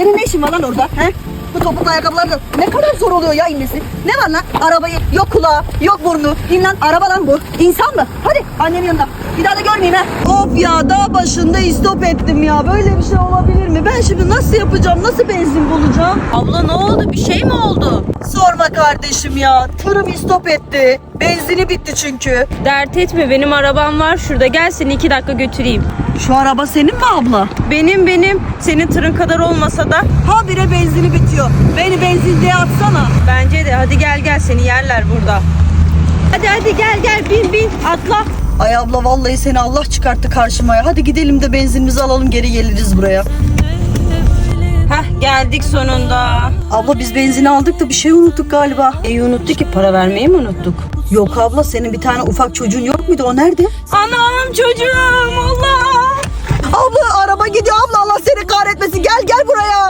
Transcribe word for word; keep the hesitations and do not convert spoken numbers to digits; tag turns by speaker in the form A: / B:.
A: Senin ne işin var lan orada? He? Bu topuklu ayakkabılarla ne kadar zor oluyor ya inmesi. Ne var lan? Arabayı yok kulağı, yok burnu. İn lan, araba lan bu. İnsan mı? Hadi annenin yanına. Bir daha da görmeyeyim ha. Of ya, dağ başında istop ettim ya. Böyle bir şey olabilir mi? Ben şimdi nasıl yapacağım? Nasıl benzin bulacağım?
B: Abla ne oldu? Bir şey mi oldu?
A: Sorma kardeşim ya. Tırım istop etti. Benzini bitti çünkü.
B: Dert etme, benim arabam var şurada. Gel seni iki dakika götüreyim.
A: Şu araba senin mi abla?
B: Benim benim. Senin tırın kadar olmasa da.
A: Habire benzini bitiyor. Beni benzinliğe atsana.
B: Bence de. Hadi gel gel, seni yerler burada. Hadi hadi gel gel, bin bin atla.
A: Ay abla, vallahi seni Allah çıkarttı karşıma ya. Hadi gidelim de benzinimizi alalım, geri geliriz buraya.
B: Heh, geldik sonunda.
A: Abla biz benzini aldık da bir şey unuttuk galiba.
B: İyi unuttuk ki, para vermeyi mi unuttuk?
A: Yok abla, senin bir tane ufak çocuğun yok muydu? O nerede?
B: Anam çocuğum, Allah.
A: Abla araba gidiyor abla, Allah seni kahretmesin. Gel gel buraya.